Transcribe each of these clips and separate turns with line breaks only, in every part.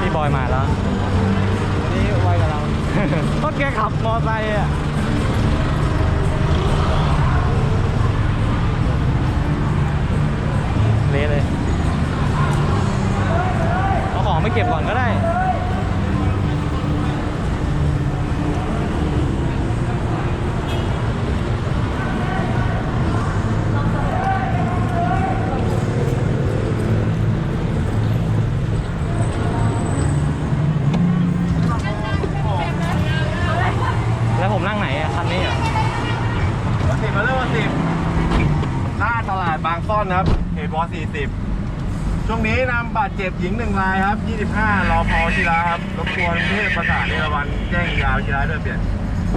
พี่บอยมาแล้วนี่ไวกับเรา ก็แกขับมอไซค์อ่ะเละเลยเอาของไปเก็บก่อนก็ได้แล้วผมนั่งไหนอ่ะคันนี้เหรอ
10มาเริ่มวัน10หน้าตลาดบางซ่อนครับเขตว40ช่วงนี้นำบาดเจ็บหญิง1รายครับ25รอพอชิระครับรบกวนเทพประสานเอราวัณแจ้งยาวชิระด้วยเปลี่ยน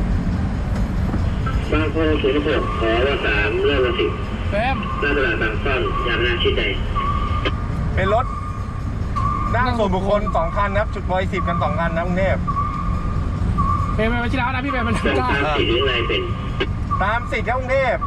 บางคนศูนย์หกขอว่า3เริ่มวัน10
แฟม
หน้าตลาดบางซ่อนยามนาชิดใด
เป็นรถนั่งส่วนบุคคล2คันครับจุดวอย10กัน2คันนะกรุงเทพ
เป็นไปชิแล้วนะพี่เป็นมัน
ตามสิทธิ์หรืออะไรเป็น
ตามสิทธิ์ครับกรุงเทพ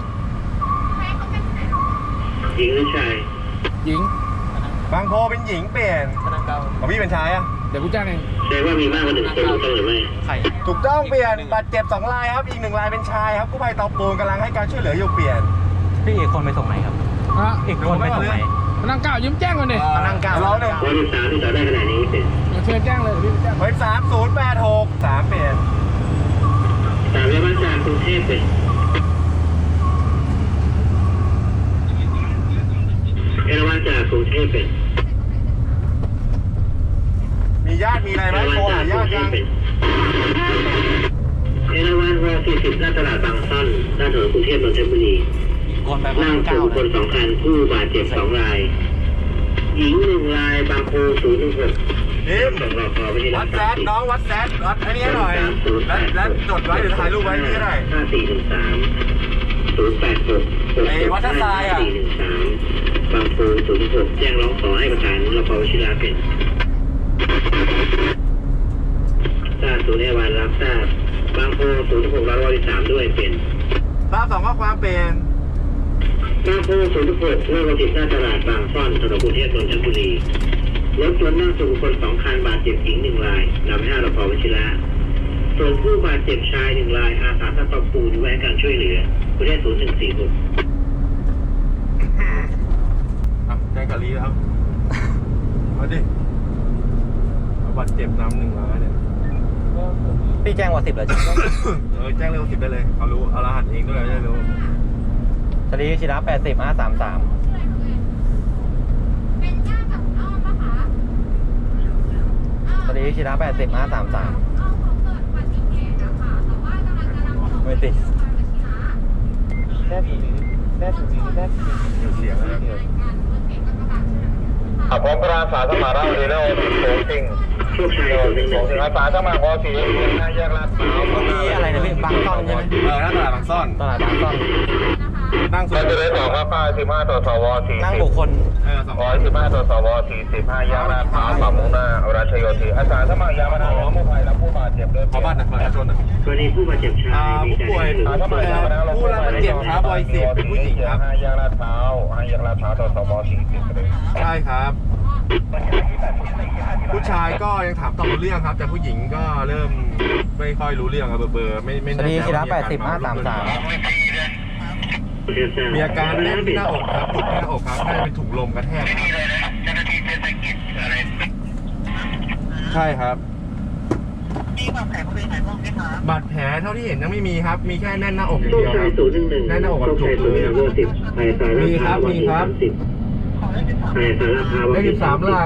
หญิงหรือชาย
หญิง
บางโพเป็นหญิงเปลี่ยนของพี่เป็นชายอ่ะ
เดี๋ยวกูจ้างเอง
แสดงว่ามีมากกว่า1คนถูกต้องหรือไม่
ถูกต้องเปลี่ยนบาดเจ็บ2รายครับอีก1รายเป็นชายครับกู้ภัยเตาปูนกำลังให้การช่วยเหลืออยู่เปลี่ยน
พี่อีกคนไปส่งไหนครับอีกคนไปส่งไหนมานั่ง9ยืมแจ้งก่อนดิ
มานั่ง9แล้วเนี่ย
วัน13ที่ต่อได้ขนาดนี้เป็น
เชิญแจ้งเลยพี่แจ้ง
วัน3086 3เปลี่ยน
3เรียกว่าจากกรุงเทพเป็นเอราวัณจากกรุงเทพเป็น
มีญาติมีอะไรไหมโทรหาญาติยัง
เอราวัณว40หน้าตลาดบางซ่อนหน้าถนนกรุงเทพนนทบุรี
คนไป
นั่งส่วนบุคคล2คันผู้บาดเจ็บ2รายหญิง1รายบางโพ016
นี่วัดแซดน้องวัดแซดวัดอันนี้หน่อยแล้วจดไว้หรือถ่ายรูปไว้นี่ก็ได้
5413 086
ไอ้วัดท่าทรายอ่ะ
413บางโพ06แจ้งร้องขอให้ประสานรปภวชิราเป็นทราบศูนย์เอราวัณรับทราบบางโพ06รับ113ด้วยเป็น
ทราบ2ข้อความเป็น
บางโพ06เมื่อวันที่หน้าตลาดบางซ่อนถนนกรุงเทพนนทบุรีรถยนต์นั่งส่วนบุคคล2คันบาดเจ็บหญิง1รายนำ5รปภวชิระส่วนผู้บาดเจ็บชาย1รายอาสาสมัครปูนไว้การช่วยเหลือกรุงเทพ0146
แจ้งกับลีครับเอาดิบาดเจ็บน้ำ1รายเนี่ย
พี่แจ้งว่า10เลยจริง
แจ้งเร็ว10ได้เลยเขารู้เอารหัสเองด้วยได้รู้
สลีชิระ80 533สลีชิระ80 533ไม่ติด
แค่ถึงเสียงแล้ว
ผมพระอาสาสมัครเราดีแล้วโสจริงถึงอาสาสมัครพอสีหน้าแยกลาดพร้าว
มีอะไรนะพี่บางซ่อนใช่ไหม
หน้าตลาดบางซ่อน
ตลาดบางซ่อน
นั่งสุด
จะได้สองครับป้า15ต่อสว40
นั่งบุคคล
115ต่อสว45แยกลาดพร้าวฝั่งมุ่งหน้าราชโยธินอาสาสมัครยามนาผู้ภัยและผู้บาดเจ็บด้วย
ขอบ้านประชาชน
กรณีผู้บาดเจ็บชาย
ผู้ป่วยผู้รับบาดเจ็บครับวอย10เป็นผู้หญิงครับ
5แยกลาดพร้าว5แยกลาดพร้าวต่อสว40
ใช่ครับผู้ชายก็ยังถามตอบรู้เรื่องครับแต่ผู้หญิงก็เริ่มไม่ค่อยรู้เรื่องครับเบอร์ไม่
สลีชิระ80 533
มีอาการแน่นที่หน้าอกครับจุกหน้าอกครับน่าจะเป็นถุงลมกระแทกครับใช่ครับ
มีบาดแผลบริเวณไหนบ้างไหมครับ
บาดแผลเท่าที่เห็นยังไม่มีครับมีแค่แน่นหน้าอกอย่างเดียวครับแน่นหน้าอกกับจุกเลยมีครับเลข13หลัก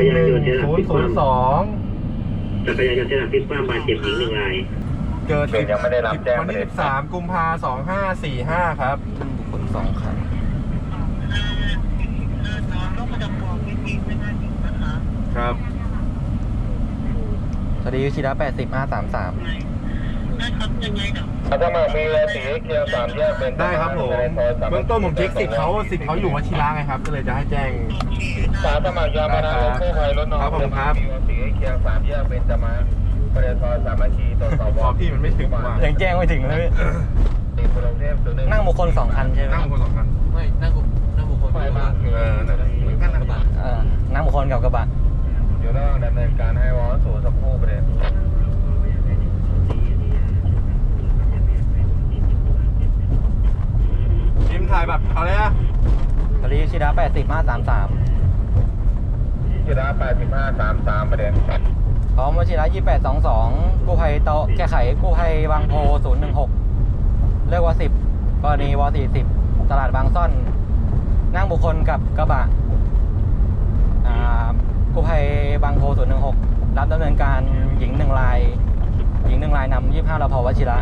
11002
จักรยานยนต์เสียหลักพลิกคว่ำบาดเจ็บหญิง1ราย
เกิดยังไม่ได้รับแจ้งวันที่13กุมภาพันธ์2545ครับ
บุคคล2คัน
ครับ
สลีชิระ80 533
ถ้ามามีสีเขียว3แยกเป็น
ได้ครับผมเบื้องต้นผมเช็คสิทธิ์เขาอยู่วชิระไงครับก็เลยจะให้แจ้ง
สาสมัครยามนากู้ภัยรถน้อง
ครับ
สีเขียว3แยกเป็นจะมาปริทสามัคคีต่อสว
พี่มันไม่ถึงว่า
ยังแจ้งไม่ถึงเลยนั่งบุคคล2คันใช่ไหม
นั่งบุคคล2คัน
ไม่นั่งบุคคล
นั่งบุคคลกับกระบะ
นั่งบุคคลกับกระบะ
อยู่ระหว่างดำเนิน
80 533
จิระ8533ประเด็น
พร้อมวชิระ2822กู้ภัยโตะแก้ไขกู้ภัยบางโพ016เลือกว10กรณีว40ตลาดบางซ่อนนั่งบุคคลกับกระบะกู้ภัยบางโพ016รับดำเนินการหญิง1รายนำ25รพวชิระ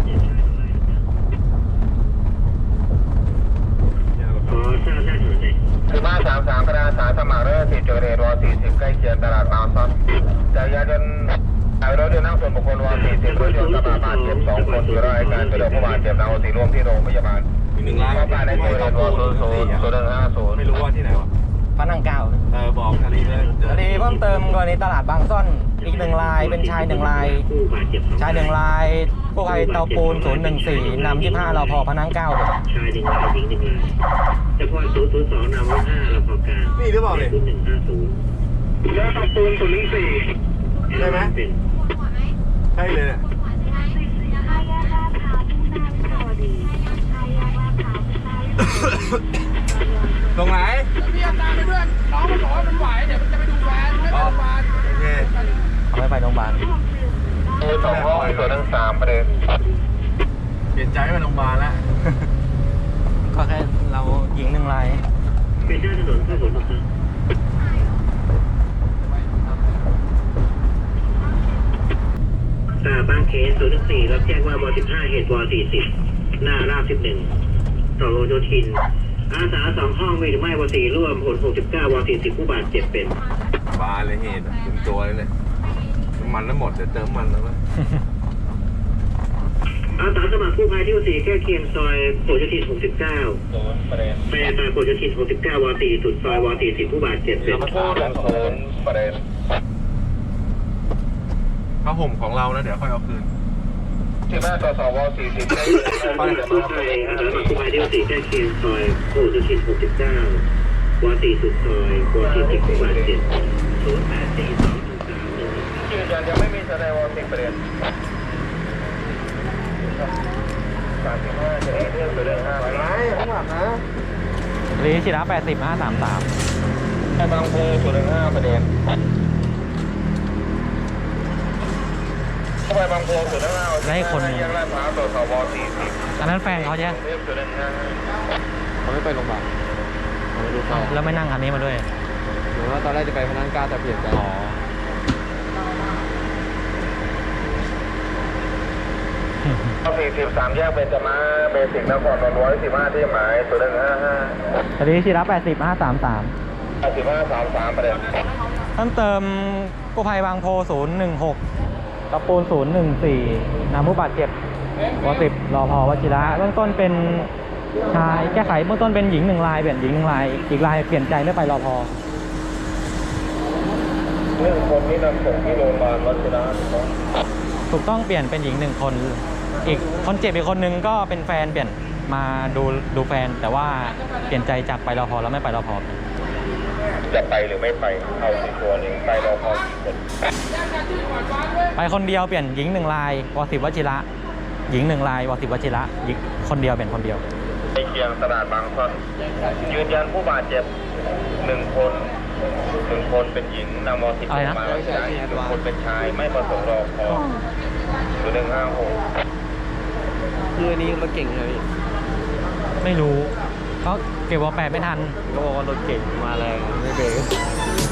ขอทราบหน้าถนนหน่อย
1533คณะอาสาสมัครเรือ4จุดเรดว40ใกล้เคียงตลาดบางซ่อนจักรยานยนต์รถยนต์นั่งส่วนบุคคลว40รถยนต์กระบะบาดเจ็บ2คนอยู่ระหว่างการช่วยเหลือผู้บาดเจ็บนำส่งร่วมที่โรงพยาบาล
มี1 ล้าน
เข้าไปในจุดเรดว000150
ไม่รู้ว่าที่ไหนวะ
พระนั่งเก้า
บอกคดีเลย
คดีเพิ่มเติมกรณีตลาดบางซ่อนอีก1รายเป็นชาย1ราย
ผู้บาดเจ็บ2
ชาย1รายกู้ภัยเตาปูน014นำ25รพพระนั่งเก้า
ชาย1 รายหญิง1 รายเฉพาะ002นำ5รพกลาง
นี่หรือเปล่าเนี่ย
0150
แล้วตับปูน014ใช่ไหมใช่เลยเนี่ยตรงไหนพี่ตามไปเพื่อนน้องมันบอกว่ามันไหวเดี๋ยวมันจะไปดูแฟนไม่ไปโรงพยาบาลโอเค
เอาไม่ไปโรงพยาบาล
2ห้อง013ประเด็น
เปลี่ยนใจไปโรงพยาบาลแล้ว
ก็แค่เราหญิง1ราย
เป็นหน้าถนนพระหลโยธินบางเขน014รับแจ้งว่าว15เหตุว40หน้าราบ11ต่อโลโยธินอาสา2ห้องมีหรือไม่ว4ร่วมผล69ว40ผู้บาดเจ็บเป็น
บาเลยเหตุเต็มตัวเลยเนี่ยน้ำมันทั้งหมดเดี๋ยวเติมมันแล้วมั้ย
อาสาสมัครกู้ภัยที่4แก้เคียงซอยผลโยธิน69
ประเด็น
ไปซอยผลโยธิน69ว40สุดซอยว40ผู้บาดเจ็บเป็น
0ประเด็น
ผ้าห่มของเรานะเดี๋ยวค่อยเอาคืน
15ต่อ2ว40ใกล้เคียง
กู้ภัยอาสาสมัครกู้ภัยที่4แก้เคียงซอยผลโยธิน69ว40สุดซอยว40ผู้บาดเจ็บ084213
ยืนยันยังไม่มีแสดงว10ประเด็น35จะได้เรื่องตัวเรื่อง5
ไปไหนข้างหลังนะ
คดีชิระ80 533
ไอ้บางโพตัวเรื่อง5ประเด็นเข้าไปบางโพตัวเรื่อง5ยังลาดพร้าวตัวสว40
อันนั้นแฟนเขาใช่ไหม
เรื่องตัวเรื่อง5
เขาไม่ไปโรงพยาบาลเขาไม่รู้เขา
แล้วไม่นั่งคันนี้มาด้วย
หรือว่าตอนแรกจะไปพนันกล้าแต่เปลี่ยนใจ
อ๋อ
43แยกเบญจมาเบสิกนครนนท์115ที่หมายตัวเรื่อง55
คดีชิระ80 533
3533ประเด็น
เพิ่มเติมกู้ภัยบางโพ016ตะปูน014นำผู้บาดเจ็บว10รพวชิระเบื้องต้นเป็นชายแก้ไขเบื้องต้นเป็นหญิง1รายเปลี่ยนหญิง1รายอีกรายเปลี่ยนใจไม่ไปรพ
เรื่องคนนี้นำส่งที่โรงพยาบาลวัชิระ
ถูกต้องเปลี่ยนเป็นหญิง1คนอีกคนเจ็บอีกคนนึงก็เป็นแฟนเปลี่ยนมาดูแฟนแต่ว่าเปลี่ยนใจจากไปรพแล้วไม่ไปรพ
จะไปหรือไม่ไปเอาในตัวหนึ่งไปรอพอกี่คน
ไปคนเดียวเปลี่ยนหญิง1รายว10วชิระหญิง1รายว10วชิระหญิงคนเดียวเปลี่ยนคนเดียว
ในเคียงตลาดบางซ่อนยืนยันผู้บาดเจ็บ1 คน1 คนเป็นหญิงนำม10มาวัชิระ1 คนเป็นชายไม่ประสงค์รอพอตัว156
คืออันนี้รถเก่งเลย
ไม่รู้เขาเก็บวอ8ไม่ทัน
ก็บอกว่ารถเก่งมาแรงไม่เบรก